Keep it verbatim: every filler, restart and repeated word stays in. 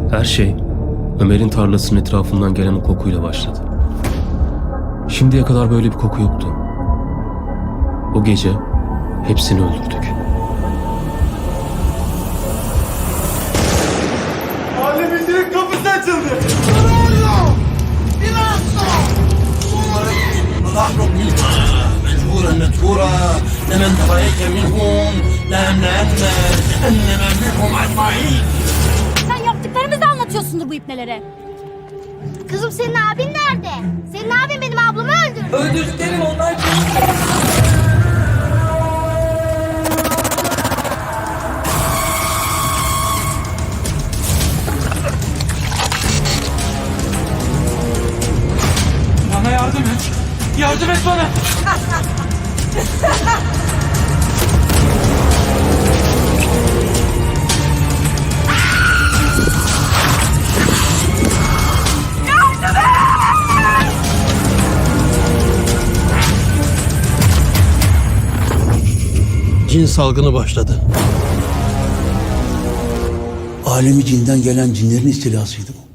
Her şey Ömer'in tarlasının etrafından gelen o kokuyla başladı. Şimdiye kadar böyle bir koku yoktu. O gece hepsini öldürdük. Mahallemizin kapısı açıldı. نحرق منها مجبورا مدحورا لمن تبعيك منهم لا أملأن جهنم منهم أجمعين. Sen yaptıklarımızı anlatıyorsundur bu ipnelere. Kızım senin abin nerede? Senin abin benim ablamı öldürdü. Öldürdüklerim onlar değil. Bana yardım et. Yardım et bana. Cin salgını başladı. Alemi cinden gelen cinlerin istilasıydı bu.